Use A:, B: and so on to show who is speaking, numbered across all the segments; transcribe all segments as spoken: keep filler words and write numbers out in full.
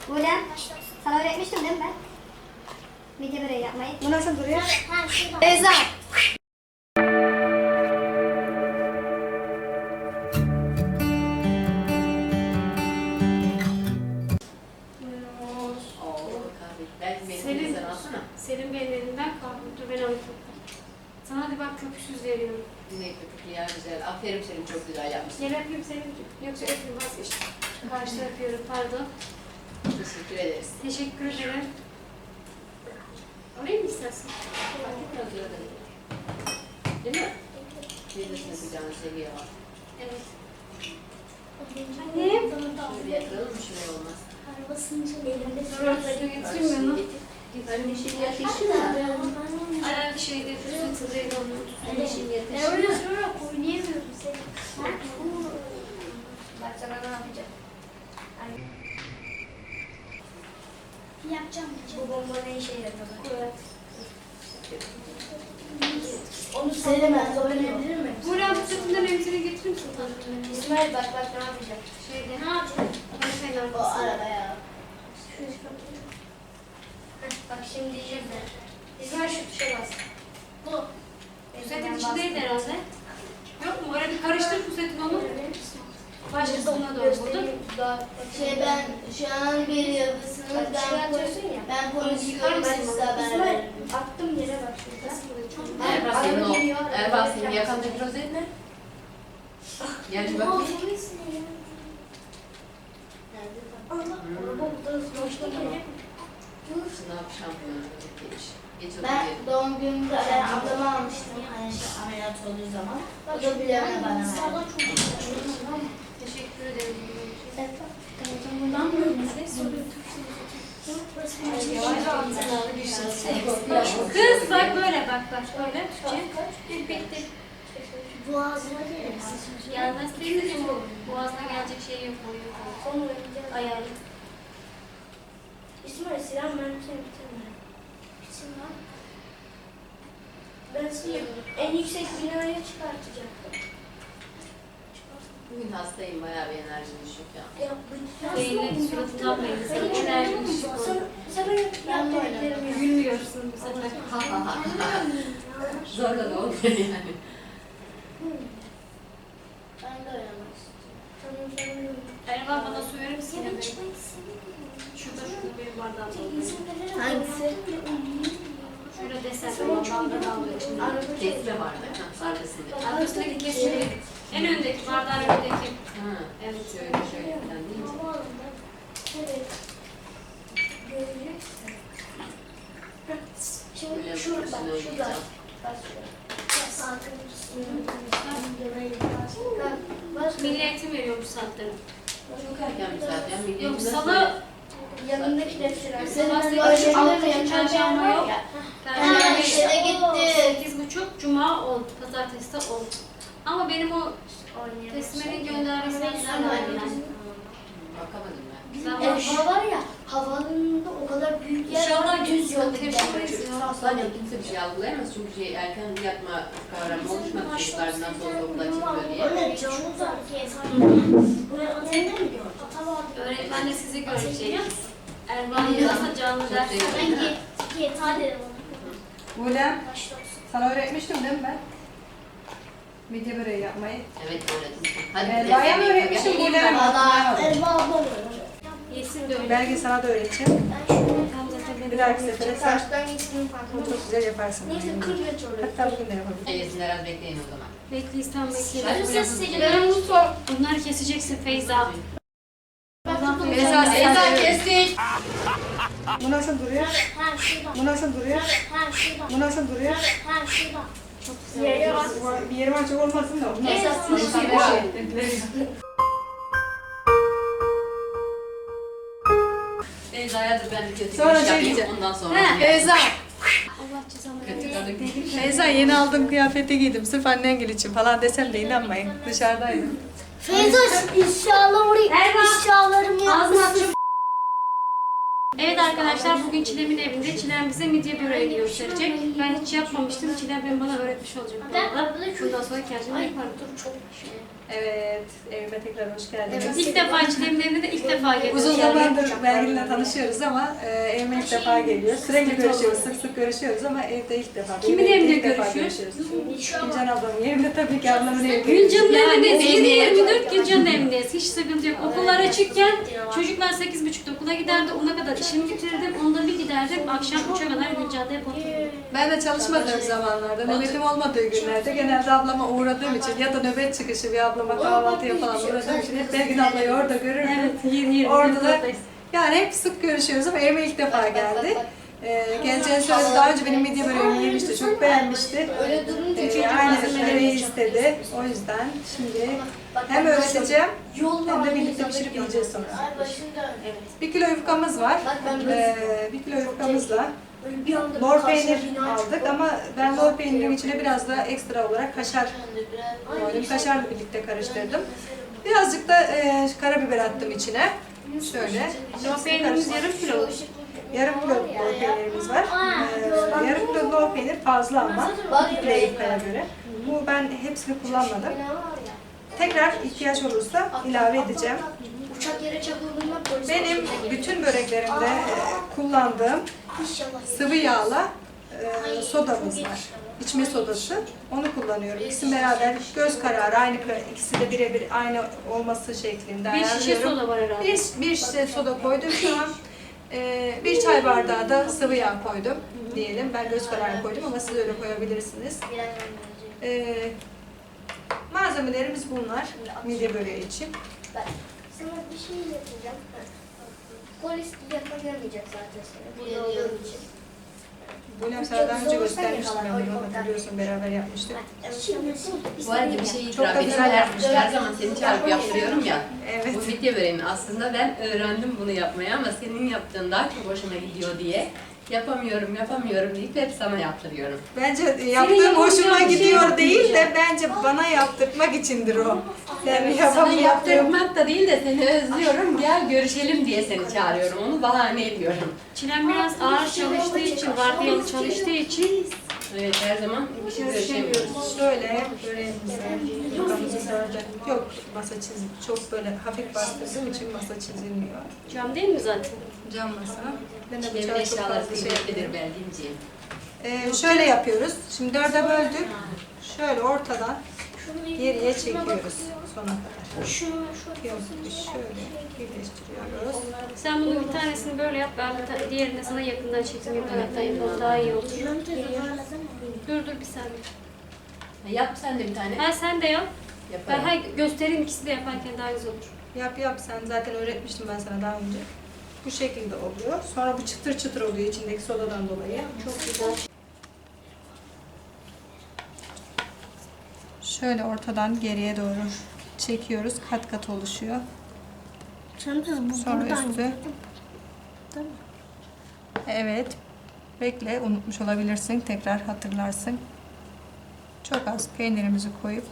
A: Buğlem, sana öğretmiştim değil mi ben? Midye böreği yapmayı.
B: Bu nasıl duruyor?
A: Beyza.
C: Senin, senin benim elimden kaldı. Dur ben alayım. Sana hadi bak köpüksüz veriyorum.
D: Ne köpüklü ya güzel. Aferin senin çok güzel yapmışsın.
C: Gel öpeyim seni. Yoksa öpeyim vazgeçtim. Karşıda öpüyorum pardon.
D: Teşekkür ederiz.
C: Teşekkür ederim. Alayım mı istersen?
D: Biraz öyle değil mi? Teyzesine kucağını seviyor.
C: Evet.
B: Annem.
D: Şöyle yapalım mı? Şuraya olmaz.
C: Dur örtüsünü getireyim mi onu?
D: Anne şimdi ateşi mi?
C: Ayağın şeyde fısıltılıydı onun.
D: Anne şimdi
B: Ben
D: ateşi
B: oraya
D: mi?
B: sonra oynayamıyorum seni.
A: Bak sana ne yapacağım.
B: Yapacağım.
A: Bu bomba ne işe yarıyor?
C: Evet.
B: Onu söylemez. Öğrenebilir mi?
C: Buğra bu sütünden emzini getirir misin?
A: İsmail bak bak ne yapacağım.
C: Şeyde.
B: Ne yapacağım?
C: Konuşmayın
A: O
C: arkasında.
A: arabaya. Bak şimdi diyeceğim ben. İsmail şu tuşa bas.
C: Bu. Pusetin içindeydi herhalde. Yok mu? Öyle bir karıştır pusetin onu. Başkasına doğru buldun.
A: Şey ben şu an bir yıldızsınız ben
B: atıyorsun ya.
A: ben konuşuyorum
C: Yıkar
A: ben
C: mısın
A: size haber
B: İsmail
A: veririm.
B: attım yere bak şurada.
D: Erbaz senin
B: Araba
D: o.
B: geliyor, araba
D: Erbaz senin
B: geliyor.
D: yakandaki rozet ne? Gel bir
B: Aa,
D: bakayım.
B: neyse ya. Allah, araba burada boşta geliyor.
D: Sınav şampiyonu rozetiymiş. Geç
A: Ben
D: oturuyor.
A: doğum günümde ben ablama almıştım hani şey, ameliyat olduğu zaman. O da bilemem bana verdi.
C: Teşekkür ederim. Kız bak böyle bak bak böyle. Tuğçe. Bitti.
B: Boğazına gelir.
C: Gelmez teyzeciğim o. Boğazına gelecek şey yok. O yok.
B: Sonra oynayacağız.
C: Ayarlı.
B: İsmail silah mermisini bitirme. Bitirme. Ben seni en yüksek binaya çıkartacaktım.
D: Bugün hastayım bayağı bir enerjim düşük ya.
B: Ya bu
C: Beynin suratından belli. Senin enerjin düşük oldu.
B: Sen ben yaptıklarımı
C: Gülmüyorsun bu sefer.
D: Ha ha ha. Zorla da olmuyor yani.
A: Ben de oynamak istiyorum.
B: yapıyorum.
C: Erman bana su verir misin? Yine benim. Şurada şurada benim bardağım doldu.
A: Hangisi?
C: Şöyle desen ben bardağı alıyor içinde.
D: Kesme vardı. Ha, arkasında.
C: Arkasındaki kesimi. En öndeki bardağın önündeki.
D: Ha,
C: Evet.
D: şöyle şöyle falan deyince.
B: Evet. Göreceksin. Şimdi
D: Böyle
B: şurada,
D: üstüne
B: şurada.
D: oynayacağım.
B: Bak şurada. Bak,
C: Milli eğitim veriyor bu saatleri.
D: Çok erken bir saat ya. Milli
C: Yok
D: eğitimden
C: salı,
B: yanındaki defter.
C: sabah
A: Senin
C: sekiz,
A: böyle
C: altı,
A: bir
C: çarşamba yok.
A: Ha,
C: Perşembe
A: işte de gitti.
C: sekiz buçuk, cuma on, pazartesi de on. Ama benim o Tesmenin göndermesinden verdiler.
D: Bakamadım ben.
C: Sen
B: Ya
C: bak.
B: hava var ya, havanın da o kadar büyük yer
C: İnşallah
B: var,
C: düz
B: düz
C: yol
B: yol
C: tepkimeyiz
B: gidiyor.
C: ya.
D: Sadece kimse bir şey algılayamaz çünkü şey erken yatma kavramı oluşmadı çocuklar nasıl olsa okula çıkıyor diye.
B: Öyle canlı da buraya otelde mi gördün? Ata vardı.
C: Öğretmen de sizi görecek. Erman yazarsa canlı ders.
B: Ben git, git, hadi dedim ona.
E: Buğlem,
B: Başla olsun.
E: sana öğretmiştim değil mi ben? Midye böreği yapmayı.
D: Evet öğretmiştim. Hadi
E: Erva'ya mı öğretmiştim Buğlem'e mi? hatırlayamadım.
B: Elma ablam öyle.
C: Yesin de öyle.
E: Belki sana da öğreteceğim.
B: Ben şöyle
C: Tam zaten
E: Bir dahaki sefere sen
A: Karşıdan gitsin farkında.
E: çok güzel yaparsın.
B: neyse kırk metre oraya.
E: Hatta bugün de yapabilirim.
D: Eylesini biraz bekleyin o zaman.
C: Bekleyiz tam
D: Hadi
C: bekleyelim.
A: Ben bunu sor.
C: Bunları keseceksin Feyza. Allah
E: Feyza,
D: Feyza kestik.
E: Bu nasıl duruyor?
B: Ha şurada.
E: Bu nasıl duruyor?
B: Ha şurada.
E: Bu nasıl duruyor?
B: Ha şurada.
C: Çok güzel.
B: Yere bak.
E: Bir yerim açık olmasın da. Bu nasıl?
B: Esas
E: Bu
B: bir
E: nasıl
B: şey
E: bir şey?
D: Feyza'ya dur ben bir kötü
E: Sonra
D: bir
E: şey
D: iş yapayım
E: diyeceğim.
D: ondan sonra.
E: He, Feyza.
C: Allah cezanı
D: Kötü kadın.
E: Feyza yeni aldığım kıyafeti giydim. Sırf annen gel için falan desem de inanmayın. Dışarıdaydım.
B: Feyza inşallah orayı
C: Erva.
B: inşallahlarım
C: Ağzını aç.
B: yapmışsın.
C: Evet arkadaşlar bugün Çilem'in evinde. Çilem bize midye böreğini gösterecek. Ben hiç yapmamıştım. Çilem ben bana öğretmiş olacak bu arada. Bundan sonra kendim yaparım.
A: Çok
E: Evet, evime tekrar hoş geldiniz.
C: İlk defa Çilem'in evine de ilk defa geliyorum.
E: Uzun zamandır Belgin'le tanışıyoruz ama e, evime ilk defa geliyor. Sürekli görüşüyoruz, sık sık görüşüyoruz ama evde ilk defa.
C: Kimin
E: Benim
C: evinde
E: ilk defa
C: görüşüyoruz?
E: Gülcan ablamın evinde tabii ki ablamın evinde.
C: Gülcan'ın
D: Yani
C: evindeyiz.
D: evine-
C: yedi yirmi dört Gülcan'ın evindeyiz. Hiç sıkıntı yok. Okullar açıkken çocuklar sekiz buçukta okula giderdi. Ona kadar işimi bitirdim. Onda bir giderdim. Akşam üçe kadar Gülcan'da hep oturdum.
E: Ben de çalışmadığım zamanlarda, nöbetim olmadığı günlerde genelde ablama uğradığım için ya da nöbet çıkışı bir ablama kahvaltıya falan uğradığım için hep Belgin ablayı orada görürdüm.
C: Evet, yedi yirmi
E: Orada da
C: dörttayız.
E: yani hep sık görüşüyoruz ama evime ilk defa geldi. Ee, geleceğini söyledi. Daha önce benim midye böreğimi yemişti. Çok beğenmişti.
A: Öyle durunca
E: Ee,
A: çocuk
E: aynı
A: malzemeleri
E: böreği istedi. O yüzden şimdi hem öğreteceğim hem de birlikte pişirip yiyeceğiz sonra.
A: Ay başında.
C: Evet.
E: Bir kilo yufkamız var.
A: Bak ben böyle
E: Ee, bir kilo yufkamızla
A: böyle bir anda
E: lor
A: karşıma
E: peynir
A: bina
E: aldık
A: çıktı.
E: ama ben lor peynirin içine biraz da ekstra olarak kaşar
A: Ay,
E: koydum. Kaşarla birlikte karıştırdım. Birazcık da e, karabiber attım içine. Şöyle.
C: Lor peynirimiz yarım kilo.
E: Yarım kilo lor peynirimiz var. Ee, yarım kilo lor peynir fazla ama bir kilo yufkaya göre. Bu ben hepsini kullanmadım. Tekrar ihtiyaç olursa ilave edeceğim.
A: Uçak yere çakıldığında polis
E: Benim
A: başına gelir.
E: bütün böreklerimde e, kullandığım
A: İnşallah.
E: sıvı yağla e, sodamız var. İçme sodası. Onu kullanıyorum. İkisini beraber göz kararı aynı ikisi de birebir aynı olması şeklinde
C: Bir şişe
E: ayarlıyorum.
C: soda var herhalde.
E: Bir, bir şişe soda koydum şu an. Ee, bir çay bardağı da sıvı yağ koydum diyelim. Ben göz kararı koydum ama siz öyle koyabilirsiniz. Ee, malzemelerimiz bunlar. Midye böreği için.
B: Sana bir şey yapacağım. Polis yakalayacak zaten seni. Burada olduğun için.
E: Bunu sana daha önce göstermiştim ben bunu hatırlıyorsun beraber yapmıştık.
B: Şimdi
D: Bu arada bir şey
E: Çok
D: itiraf
E: da
D: edeyim.
E: güzel
D: Her,
E: yapmış.
D: her zaman seni çağırıp yaptırıyorum ya.
E: Evet.
D: Bu midye böreğini aslında ben öğrendim bunu yapmayı ama senin yaptığın daha çok hoşuma gidiyor diye. Yapamıyorum, yapamıyorum deyip hep sana yaptırıyorum.
E: Bence yaptığım
C: yapamayacağın
E: hoşuma
C: bir şey
E: gidiyor
C: yok
E: değil de
C: diyeceğim.
E: bence bana yaptırtmak içindir o. Yani
D: Sana
E: yapamayacağım.
D: yaptırmak da değil de seni özlüyorum, gel görüşelim diye seni çağırıyorum. Onu bahane ediyorum.
C: Çilem biraz ağır çalıştığı için, vardiyalı çalıştığı için
D: Evet, her zaman görüşemiyoruz.
E: Şöyle böreğimizi, yufkamızı gördüm. Yok masa çizim. Çok böyle hafif bastırdığım için masa çizilmiyor.
C: cam değil mi zaten?
E: Cam masa. Ben de
D: Evin
E: bıçağı çok
D: eşyaları
E: fazla şey
D: kıymetlidir
E: yapıyorum.
D: Belgin'ciğim.
E: Ee, şöyle yapıyoruz. Şimdi dörde böldük. Şöyle ortadan geriye çekiyoruz sona kadar.
B: Şunu
E: Yok, şöyle birleştiriyoruz.
C: Sen bunun bir tanesini böyle yap, ben bir tane, diğerini sana yakından çekim yapayım. Daha iyi olur. Dur dur bir saniye.
D: Yap sen de bir tane.
C: Ha sen de yap. Ben
D: Yaparım.
C: hay göstereyim ikisi de yaparken daha güzel olur.
E: Yap yap sen zaten öğretmiştim ben sana daha önce. Bu şekilde oluyor. Sonra bu çıtır çıtır oluyor içindeki sodadan dolayı.
C: Çok güzel.
E: Şöyle ortadan geriye doğru çekiyoruz. Kat kat oluşuyor. Sonra üstü. Evet. Bekle, unutmuş olabilirsin. Tekrar hatırlarsın. Çok az peynirimizi koyup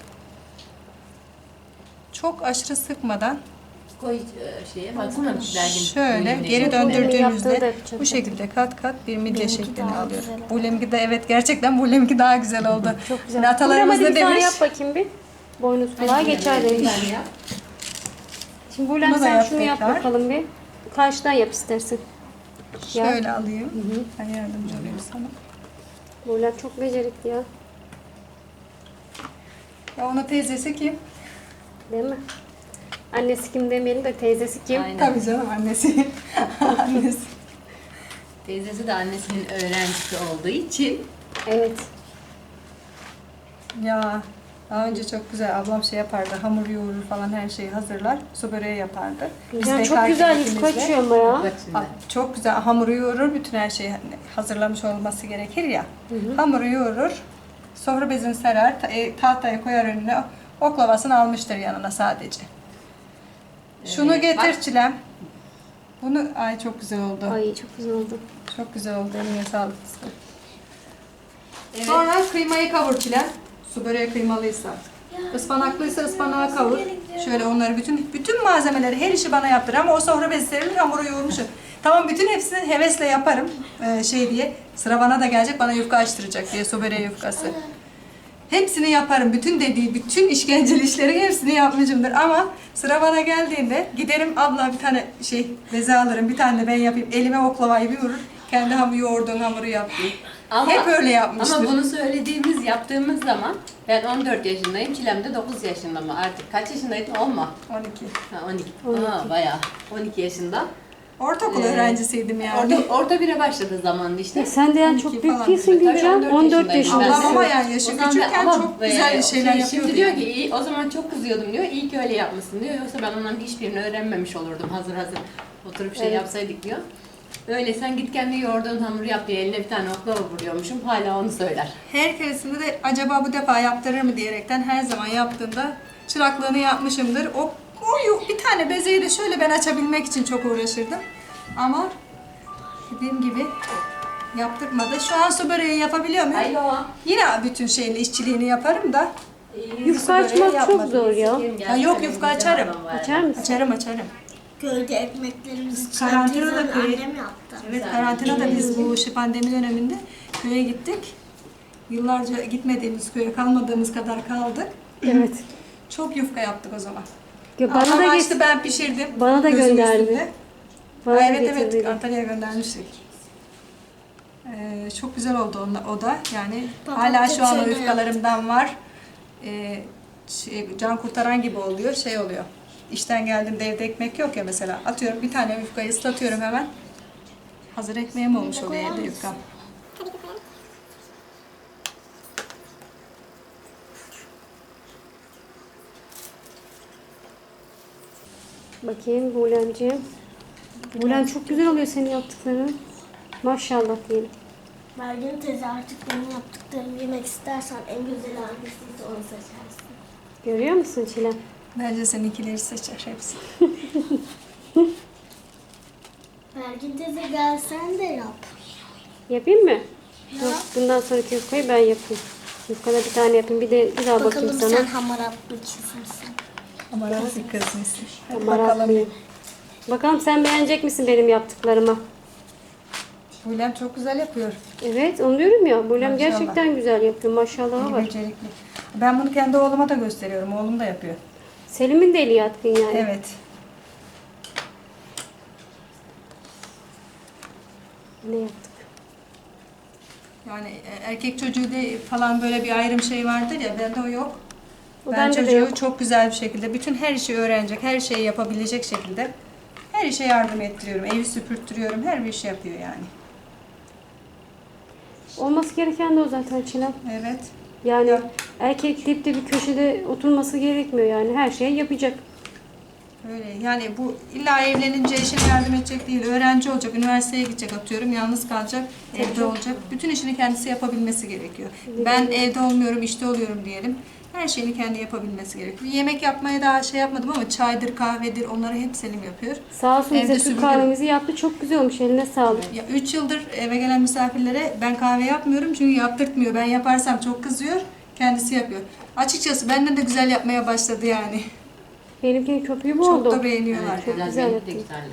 E: çok aşırı sıkmadan
D: Koy e, şeye baksana Belgin.
E: şöyle
D: Buyurun,
E: geri
D: Belgin.
E: döndürdüğümüzde bu şekilde kat kat bir midye şeklini alıyor. Bulemki de evet gerçekten bulemki daha güzel oldu.
C: Çok güzel.
E: Şimdi atalarımız
C: Burama
E: ne
C: bir tane
E: demiş?
C: yap bakayım bir. Boynuz kulağa
D: Hadi
C: geçer
D: bir
C: demiş.
D: tane yap.
C: Şimdi Bülent
E: Bunu da
C: sen
E: yap
C: şunu yap
E: tekrar.
C: bakalım bir. Karşıdan yap istersen.
E: Şöyle alayım. Ben yardımcı olayım sana.
C: Bülent çok becerikli ya.
E: Ya ona teyzesi kim?
C: Değil mi? Annesi kim demeyelim de teyzesi kim?
D: Aynen.
E: Tabii canım annesi. annesi.
D: Teyzesi de annesinin öğrencisi olduğu için
C: Evet.
E: Ya daha önce çok güzel ablam şey yapardı. Hamur yoğurur falan her şeyi hazırlar. Su böreği yapardı. Biz
C: Güzel, çok
E: bekarken
C: güzel yüz
E: ikimiz de-
C: kaçıyor ama ya.
D: bak şimdi.
E: Ha, çok güzel hamuru yoğurur. Bütün her şeyi hazırlamış olması gerekir ya. Hamuru yoğurur. Sofra bezini serer. ta- e, tahtaya koyar önüne. Oklavasını almıştır yanına sadece. Şunu
D: Evet,
E: getir
D: bak.
E: Çilem. Bunu ay çok güzel oldu.
C: Ay çok güzel oldu.
E: Çok güzel oldu. Eline sağlık. kızım.
D: Evet.
E: Sonra kıymayı kavur Çilem. Su böreği kıymalıysa. Ispanaklıysa ıspanağı kavur. Şöyle onları bütün bütün malzemeleri, her işi bana yaptır ama o sofra bezi serilir, hamuru yoğurmuşum. Tamam, bütün hepsini hevesle yaparım ee, şey diye. Sıra bana da gelecek, bana yufka açtıracak diye, sobere yufkası. Hepsini yaparım. Bütün dediği, bütün işkenceli işlerin hepsini yapmışımdır. Ama sıra bana geldiğinde giderim, abla bir tane şey beze alırım, bir tane de ben yapayım. Elime oklavayı bir vurur. Kendi hamur yoğurduğun hamuru yap diye.
D: Ama,
E: Hep öyle yapmıştır.
D: Ama bunu söylediğimiz, yaptığımız zaman ben on dört yaşındayım, Çilem de dokuz yaşında mı? Artık kaç yaşındaydın? on mu?
E: on iki.
D: Ha, on iki. Aa, bayağı. on iki yaşında.
E: Ortaokul
D: Ee,
E: öğrencisiydim yani.
D: Orta, orta bire başladı zamanında işte.
C: Ya sen de yani
E: on iki
C: çok büyük
E: falan.
C: değilsin
D: Tabii
C: Gülcan. on dört
D: yaşındayım.
C: yaşındasın.
E: Ablam ama yani yaşı
D: O zaman ben-
E: küçükken
D: ama,
E: çok
D: e,
E: güzel şeyler
D: şey,
E: yapıyordu.
D: Şimdi diyor
E: yani.
D: ki "İyi, o zaman çok kızıyordum diyor. İyi ki öyle yapmışsın diyor. Yoksa ben onların hiçbirini öğrenmemiş olurdum. Hazır hazır oturup şey
C: Evet.
D: yapsaydık diyor. Öyle sen git kendi yoğurduğun hamuru yap diye eline bir tane oklava vuruyormuşum. Hala onu söyler.
E: Her keresinde de acaba bu defa yaptırır mı diyerekten her zaman yaptığımda çıraklığını yapmışımdır. O, o yok, bir tane bezeyi de şöyle ben açabilmek için çok uğraşırdım. Ama dediğim gibi yaptırmadı. Şu an su böreği yapabiliyor muyum?
D: Alo.
E: Yine bütün şeyini, işçiliğini yaparım da.
C: Yufka
E: böreği
C: açmak çok
E: yapmadım.
C: zor ya.
E: Ha, yok, yufka açarım.
C: Açar mısın?
E: Açarım açarım.
A: Köyde ekmeklerimizi
E: Karantinada
A: teyzemle
E: köy-
A: annem yaptı.
E: Evet, karantinada biz bu şu pandemi döneminde köye gittik. Yıllarca gitmediğimiz köye, kalmadığımız kadar kaldık.
C: Evet.
E: Çok yufka yaptık o zaman.
C: Ya bana
E: Ama
C: da
E: işte
C: geç.
E: ben pişirdim.
C: Bana da
E: gözüm
C: gönderdi.
E: üstünde.
C: Bana
E: Ha,
C: da
E: evet evet,
C: getirdin.
E: Antalya'ya göndermiştik. Ee, çok güzel oldu onunla, o da. Yani
A: Babam
E: hala şu an o
A: şeyde
E: yufkalarımdan var. Ee, şey, can kurtaran gibi oluyor, şey oluyor. İşten geldiğimde evde ekmek yok ya mesela. Atıyorum bir tane yufkayı ıslatıyorum hemen. Hazır ekmeğim olmuş oluyor evde yufkam.
C: Bakayım Bulemciğim. Bulem çok güzel oluyor senin yaptıkların. Maşallah diyelim.
A: Mergin teyze artık benim yaptıklarımı yemek istersen en güzel hangisiyse onu seçersin.
C: Görüyor musun Çilem?
E: Bence seninkileri seçer hepsi.
A: Mergin teyze gel sen de yap.
C: Yapayım mı? Dur, bundan sonraki yufkayı ben yapayım. Yufkada bir tane yapayım. Bir de bir daha bakayım
A: Bakalım
C: sana.
A: sen hamaratlı kızımsın.
E: Ama rahat bir kız mısın? Hadi
C: Maraklıyım.
E: bakalım.
C: Bakalım sen beğenecek misin benim yaptıklarımı?
E: Bulem çok güzel yapıyor.
C: Evet, onu diyorum ya. Bulem
E: Maşallah.
C: gerçekten güzel yapıyor. Maşallahı
E: İyi
C: var.
E: becerikli. Ben bunu kendi oğluma da gösteriyorum. Oğlum da yapıyor.
C: Selim'in de eli yatkın yani.
E: Evet.
C: Ne yaptık?
E: Yani e, erkek çocuğu de falan böyle bir ayrım şey vardır ya, bende o yok.
C: O
E: Ben
C: bende de
E: çocuğu
C: yok.
E: çok güzel bir şekilde, bütün her işi öğrenecek, her şeyi yapabilecek şekilde her işe yardım ettiriyorum, evi süpürttürüyorum, her bir şey yapıyor yani.
C: Olması gereken de o zaten Çilem.
E: Evet.
C: Yani
E: Ya.
C: erkek dipte bir köşede oturması gerekmiyor yani. Her şeyi yapacak.
E: Öyle yani, bu illa evlenince eşine yardım edecek değil, öğrenci olacak, üniversiteye gidecek atıyorum, yalnız kalacak, evde olacak. Bütün işini kendisi yapabilmesi gerekiyor. Ben evde olmuyorum, işte oluyorum diyelim. Her şeyini kendi yapabilmesi gerekiyor. Yemek yapmaya daha şey yapmadım ama çaydır, kahvedir, onları hep Selim yapıyor.
C: Sağ olsun
E: Evde
C: bize Türk
E: süpürge-
C: kahvemizi yaptı. Çok güzel olmuş. Eline sağlık.
E: Ya üç yıldır eve gelen misafirlere ben kahve yapmıyorum çünkü yaptırtmıyor. Ben yaparsam çok kızıyor, kendisi yapıyor. Açıkçası benden de güzel yapmaya başladı yani.
C: Benimkinin köpüğü bu
E: Çok
C: oldu.
E: da beğeniyorlar.
D: Evet, biraz
C: güzel
D: benimki de
C: yaptın.
D: güzeldi.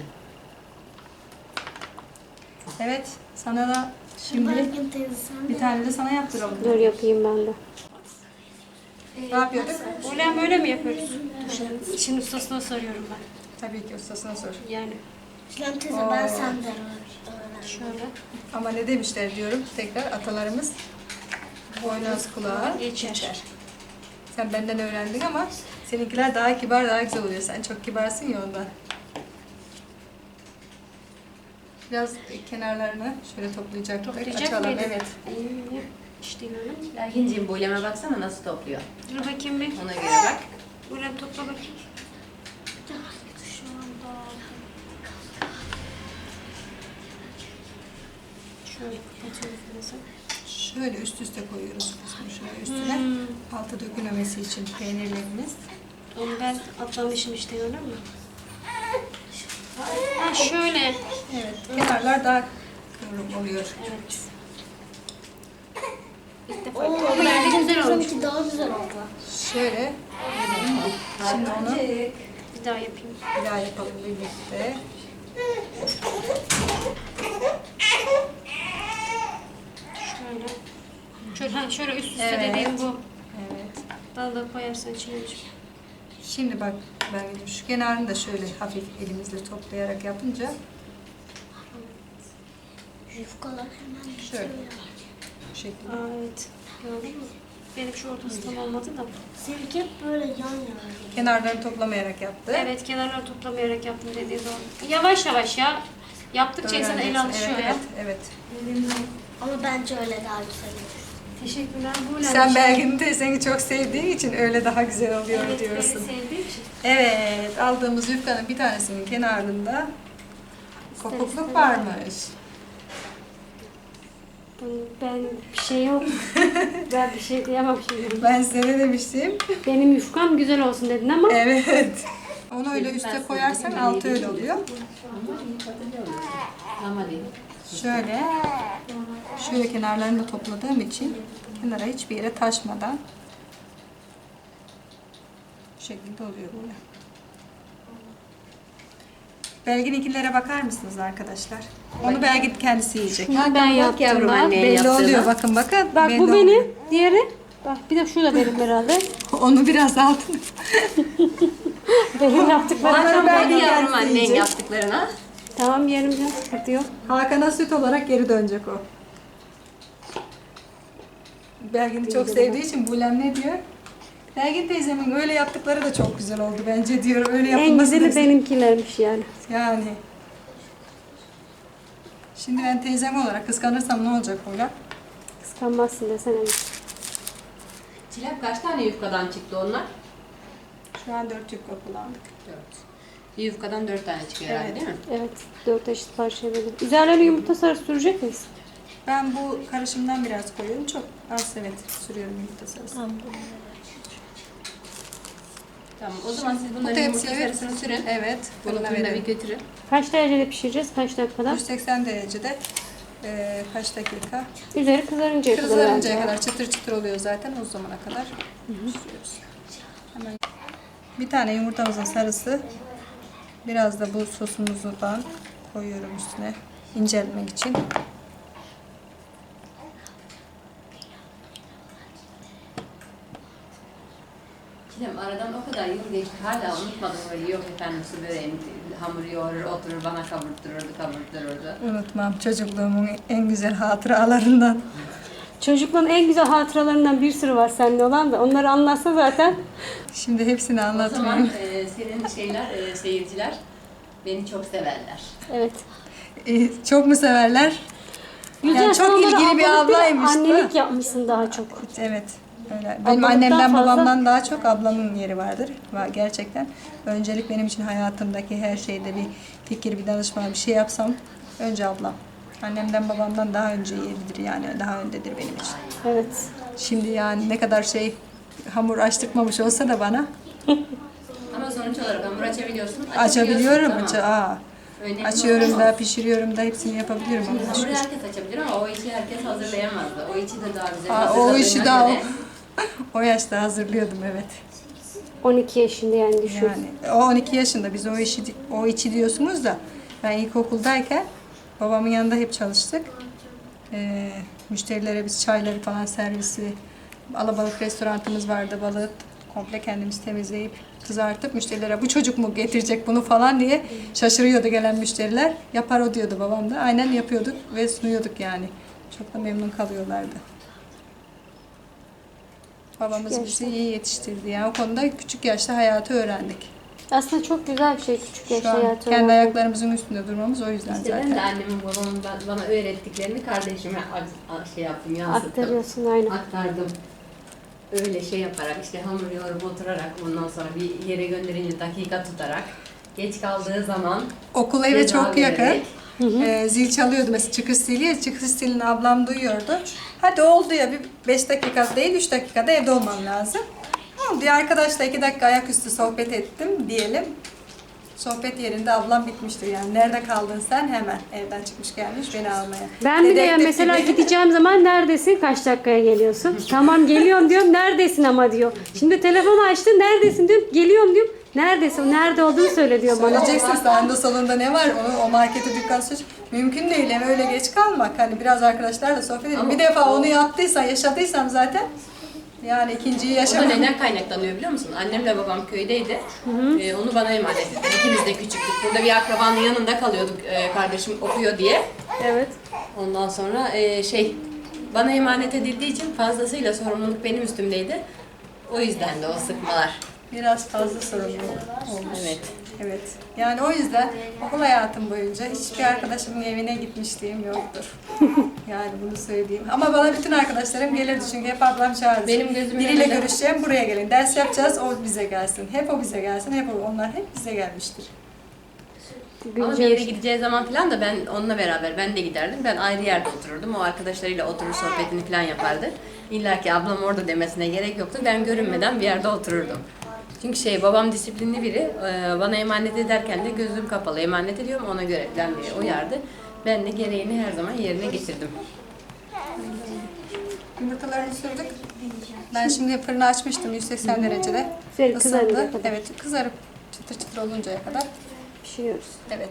E: Evet, sana da şimdi
A: Mergin teyze sen de
E: bir tane de sana yaptıralım.
C: Dur yapayım ben de.
E: Ne yapıyorduk?
C: Bulem böyle mi yapıyoruz? Şimdi ustasına soruyorum ben.
E: Tabii ki ustasına sor.
C: Yani
A: Şilan teyze ben senden öğrendim.
C: şöyle
E: Ama ne demişler diyorum tekrar, atalarımız boynuz kulağa
C: geçer.
E: Sen benden öğrendin ama seninkiler daha kibar, daha güzel oluyor. Sen çok kibarsın ya ondan. Biraz kenarlarını şöyle toplayacaktık.
C: Toplayacak
E: Açalım,
C: mıydık?
E: evet.
C: Ee, İşte böyle.
D: Lakinciğim Bulem'e baksana nasıl topluyor.
C: Dur bakayım bir.
D: Ona göre bak.
C: Bulem topla bakayım.
A: Şu anda
C: Şöyle kapatıyoruz biraz.
E: Şöyle üst üste koyuyoruz kısmı şöyle üstüne. Altı dökülmemesi için peynirlerimiz.
C: Onu ben atlamışım işte, gördün mü? Ha şöyle.
E: Evet, kenarlar daha kıvrım oluyor.
C: Evet. İlk defa.
A: Oo,
C: Ama yerde güzel olmuş.
A: Seninki daha güzel oldu.
E: Şöyle Şimdi onu
C: Bir daha yapayım.
E: bir daha yapalım birlikte.
C: Şöyle. Şöyle, ha, şöyle üst üste
E: Evet.
C: dediğim bu.
E: Evet.
C: Balığı koyarsan içine.
E: Şimdi bak ben şu kenarını da şöyle hafif elimizle toplayarak yapınca
B: Yufkalar hemen
E: şöyle bu şekilde.
C: Aa, evet. Gördün mü? Benim şu ortası tam olmadı da.
B: Seninki hep böyle yan yana.
E: Kenarlarını toplamayarak yaptı.
C: Evet, kenarları toplamayarak yaptım dediği doğru. Yavaş yavaş ya. Yaptıkça insan el
E: Öğreneceksin.
C: alışıyor
E: evet,
C: ya.
E: Evet,
B: Ama bence öyle daha güzel olur.
C: Teşekkürler. Bu
E: evet. Sen Belgin teyzeni çok sevdiğin için öyle daha güzel oluyor
C: evet,
E: diyorsun.
C: beni sevdiği için.
E: Evet, aldığımız yufkanın bir tanesinin kenarında kopukluk varmış.
C: Ben bir şey yok. Ben bir şey diyemem şimdi.
E: Ben size ne demiştim?
C: Benim yufkam güzel olsun dedin ama
E: Evet. Onu öyle üste koyarsan altı öyle oluyor.
D: Ama iyi tadında olur. Ama değil.
E: Şöyle, şöyle kenarlarını da topladığım için kenara hiçbir yere taşmadan bu şekilde oluyor böyle. Belgin'inkilere bakar mısınız arkadaşlar? Onu Belgin kendisi yiyecek.
C: bunu ben yaptım
D: yavrum
C: bak.
D: anne.
E: Belli
D: yaptığını.
E: oluyor bakın bakın.
C: Bak
E: belli
C: bu
E: oluyor.
C: benim. Diğeri. Bak bir de şu da benim herhalde.
E: Onu biraz altın.
C: Benim yaptıklarım.
E: Onları
D: Hadi
E: Belgin
D: yavrum
E: kendisi
D: annen
E: yiyecek.
D: yaptıklarına.
C: Tamam yerim canım. Sıkıntı yok.
E: Hakan'a süt olarak geri dönecek o. Belgin'i çok sevdiği için Bulem ne diyor? Belgin teyzemin öyle yaptıkları da çok güzel oldu bence diyor. Öyle
C: En
E: yapılması da
C: güzeli
E: güzel.
C: benimkilermiş yani.
E: Yani. Şimdi ben teyzem olarak kıskanırsam ne olacak Bulem?
C: Kıskanmazsın desene.
D: Çilek kaç tane yufkadan çıktı onlar?
E: Şu an dört yufka kullandık.
D: Dört. Bir yufkadan dört tane çıkıyor herhalde
E: Evet.
D: değil mi?
C: Evet. Dört eşit parçaya böldüm. Üzerlerine yumurta sarısı sürecek miyiz?
E: Ben bu karışımdan biraz koyuyorum. Çok az evet sürüyorum yumurta sarısı.
D: Tamam o zaman siz
E: Bu
D: bunları yumurta
E: tepsiye
D: sarısını sürün.
E: Evet.
D: Bunu
E: Fırına
D: fırına bir
E: verelim.
D: götürün.
C: Kaç derecede pişireceğiz? Kaç dakikada?
E: yüz seksen derecede e, kaç dakika?
C: Üzeri kızarıncaya kadar.
E: Kızarıncaya
C: herhalde.
E: kadar çıtır çıtır oluyor zaten o zamana kadar pişiriyoruz. Hemen bir tane yumurtamızın sarısı, biraz da bu sosumuzdan koyuyorum üstüne incelmek için.
D: Çilem aradan o kadar yıl geçti hala unutmadım öyle yok efendim su böreğim hamur yoğurur oturur bana kavurttururdu kavurttururdu.
E: Unutmam çocukluğumun en güzel hatıralarından.
C: Çocukluğun en güzel hatıralarından bir sürü var seninle olan da. Onları anlatsa zaten.
E: Şimdi hepsini
D: O zaman
E: anlatmayayım.
D: e, senin şeyler e, seyirciler beni çok severler.
C: Evet.
E: E, çok mu severler?
C: Gülcan,
E: Yani
C: sen
E: çok
C: onlara
E: ilgili bir
C: ablalık değil,
E: ablaymış bu.
C: Annelik yapmışsın daha çok.
E: Evet. Öyle. Benim
C: Ablalıktan
E: annemden
C: fazla-
E: babamdan daha çok ablamın yeri vardır. Var gerçekten. Öncelik benim için hayatımdaki her şeyde bir fikir, bir danışma, bir şey yapsam önce ablam. Annemden babamdan daha önce yeridir yani daha öndedir benim için.
C: Evet.
E: Şimdi yani ne kadar şey hamur açtırmamış olsa da bana
D: Ama sonuç olarak hamur açabiliyorsun.
E: açabiliyorum.
D: Tamam.
E: Aç- Aa,
D: Önemli
E: açıyorum
D: olan
E: da
D: o.
E: pişiriyorum da hepsini yapabiliyorum.
D: Şimdi
E: Allah'a
D: hamuru
E: şükür.
D: herkes açabilir ama o işi herkes hazırlayamazdı. O işi de daha güzel
E: Aa, o
D: hazırladığına
E: işi daha o,
D: göre-
E: o yaşta hazırlıyordum evet.
C: on iki yaşında yani düşün.
E: Yani o on iki yaşında biz o işi o içi diyorsunuz da ben ilkokuldayken babamın yanında hep çalıştık. Ee, müşterilere biz çayları falan servisi, alabalık restoranımız vardı, balığı komple kendimiz temizleyip kızartıp müşterilere bu çocuk mu getirecek bunu falan diye şaşırıyordu gelen müşteriler. Yapar o diyordu babam da. Aynen yapıyorduk ve sunuyorduk yani. Çok da memnun kalıyorlardı. Babamız bizi iyi yetiştirdi. Yani o konuda küçük yaşta hayatı öğrendik.
C: Aslında çok güzel bir şey küçük
E: Şu
C: yaşta
E: an
C: hayatı
E: kendi
C: öğrenmek.
E: ayaklarımızın üstünde durmamız o yüzden
D: İşte ben de
E: zaten.
D: annemin babamın ba- bana öğrettiklerini kardeşime a- a- şey yaptım, yansıttım.
C: Aktarıyorsun aynen.
D: Aktardım. Öyle şey yaparak, işte hamur yoğurup oturarak, ondan sonra bir yere gönderince dakika tutarak, geç kaldığı zaman
E: Okul eve
D: ceza
E: çok yakın.
D: vererek,
E: Ee, zil çalıyordu mesela çıkış zili. Çıkış zilini ablam duyuyordu. Hadi oldu ya bir beş dakika değil üç dakikada evde olmam lazım. Oldu ya arkadaşla iki dakika ayaküstü sohbet ettim diyelim. Sohbet yerinde ablam bitmiştir yani. Nerede kaldın sen? Hemen evden çıkmış gelmiş beni almaya.
C: Ben bile ya
E: Dedektif
C: mesela
E: gibi.
C: gideceğim zaman neredesin? Kaç dakikaya geliyorsun? Tamam geliyorum diyorum. Neredesin ama diyor. Şimdi telefonu açtı. Neredesin diyorum. Geliyorum diyorum. Neredesin? Nerede olduğunu söyle diyor bana.
E: Söyleyeceksin sağında solunda ne var onu o markete dükkan seç. Mümkün değil eve öyle geç kalmak. Hani biraz arkadaşlarla sohbet edin.
D: Ama
E: Bir defa
D: o-
E: onu yaptıysan yaşadıysam zaten yani ikinciyi
D: O da
E: yaşamam.
D: neden kaynaklanıyor biliyor musun? Annemle babam köydeydi. Ee, onu bana emanet etti. İkimiz de küçüktük. Burada bir akrabanın yanında kalıyorduk. Ee, kardeşim okuyor diye.
C: Evet.
D: Ondan sonra e, şey bana emanet edildiği için fazlasıyla sorumluluk benim üstümdeydi. O yüzden de o sıkmalar.
E: Biraz fazla sorumluluk olmuş.
D: Evet.
E: Evet. Yani o yüzden okul hayatım boyunca hiçbir arkadaşımın evine gitmişliğim yoktur. Yani bunu söyleyeyim. Ama bana bütün arkadaşlarım gelirdi çünkü hep ablam çağırdı.
D: Benim gözümün
E: Biriyle
D: önünde-
E: görüşeceğim buraya gelin. Ders yapacağız o bize gelsin. Hep o bize gelsin. Hep o. Onlar hep bize gelmiştir.
D: Ama bir yere gideceği zaman falan da ben onunla beraber ben de giderdim. Ben ayrı yerde otururdum. O arkadaşlarıyla oturur sohbetini falan yapardı. İlla ki ablam orada demesine gerek yoktu. Ben görünmeden bir yerde otururdum. Çünkü şey babam disiplinli biri. Ee, Bana emanet ederken de gözüm kapalı emanet ediyorum ona göre falan diye uyardı. Ben de gereğini her zaman yerine getirdim.
E: Yumurtalarını sürdük. Ben şimdi fırını açmıştım yüz seksen derecede.
C: Güzel kızarınca
E: Isındı.
C: kadar.
E: Evet kızarıp çıtır çıtır oluncaya kadar.
C: Pişiriyoruz.
E: Evet.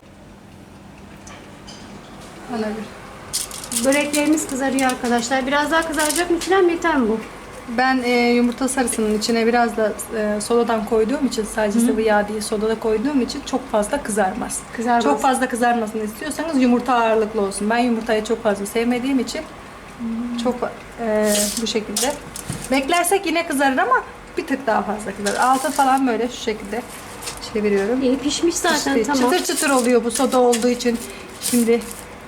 E: Ana bir.
C: Böreklerimiz kızarıyor arkadaşlar. Biraz daha kızaracak mı falan yeter mi bu?
E: Ben e, yumurta sarısının içine biraz da e, sodadan koyduğum için sadece sıvı yağ değil soda da koyduğum için çok fazla kızarmaz.
C: Kızarmaz.
E: Çok fazla kızarmasını istiyorsanız yumurta ağırlıklı olsun. Ben yumurtayı çok fazla sevmediğim için çok e, bu şekilde. Beklersek yine kızarır ama bir tık daha fazla kızarır. Altı falan böyle şu şekilde çeviriyorum.
C: İyi pişmiş zaten
E: İşte
C: tamam.
E: Çıtır çıtır oluyor bu soda olduğu için. Şimdi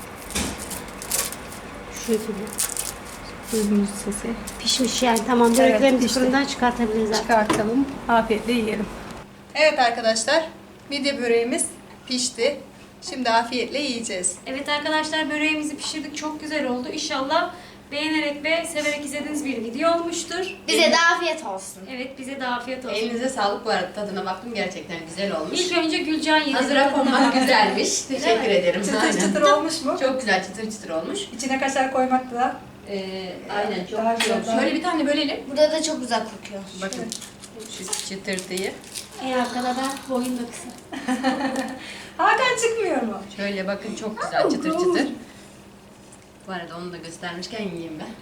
C: Şu şekilde.
E: duydunuz sesi.
C: Pişmiş yani tamam.
E: Evet,
C: Böreklerimizi
E: pişti.
C: fırından çıkartabiliriz artık.
E: Çıkartalım. Afiyetle yiyelim. Evet arkadaşlar. Midye böreğimiz pişti. Şimdi afiyetle yiyeceğiz.
C: Evet arkadaşlar böreğimizi pişirdik. Çok güzel oldu. İnşallah beğenerek ve severek izlediğiniz bir video olmuştur.
A: Bize de afiyet olsun.
C: Evet bize de afiyet olsun.
D: Elinize sağlık bu arada tadına baktım gerçekten güzel olmuş.
C: İlk önce Gülcan yedi.
D: Hazıra konmak güzelmiş. Teşekkür ederim.
E: Çıtır
D: Aynen.
E: çıtır olmuş mu?
D: Çok güzel çıtır çıtır olmuş.
E: İçine kaşar koymak da
D: Ee, aynen çok
E: Daha
D: güzel.
E: güzel.
D: Şöyle bir tane bölelim.
A: Burada da çok güzel kokuyor.
D: Bakın şu çıtırtıyı.
C: En arkada da boyun da kısa.
E: Hakan çıkmıyor mu?
D: Şöyle bakın çok güzel çıtır çıtır. Bu arada onu da göstermişken yiyeyim ben.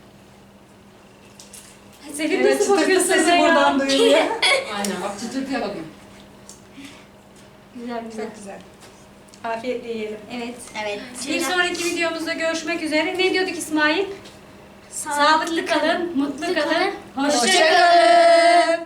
C: Selin
E: Evet,
C: nasıl
E: çıtır
C: bakıyorsun
E: sesi
C: sen
E: buradan
C: ya?
E: duyuluyor.
D: Aynen bak çıtırtıya bakın.
C: Güzel güzel.
E: Çok güzel. Afiyetle yiyelim.
C: Evet.
A: Evet.
C: Bir sonraki videomuzda görüşmek üzere. Ne diyorduk İsmail? Sağlıklı kalın, mutlu kalın. Hoşça kalın.
E: Hoşçakalın.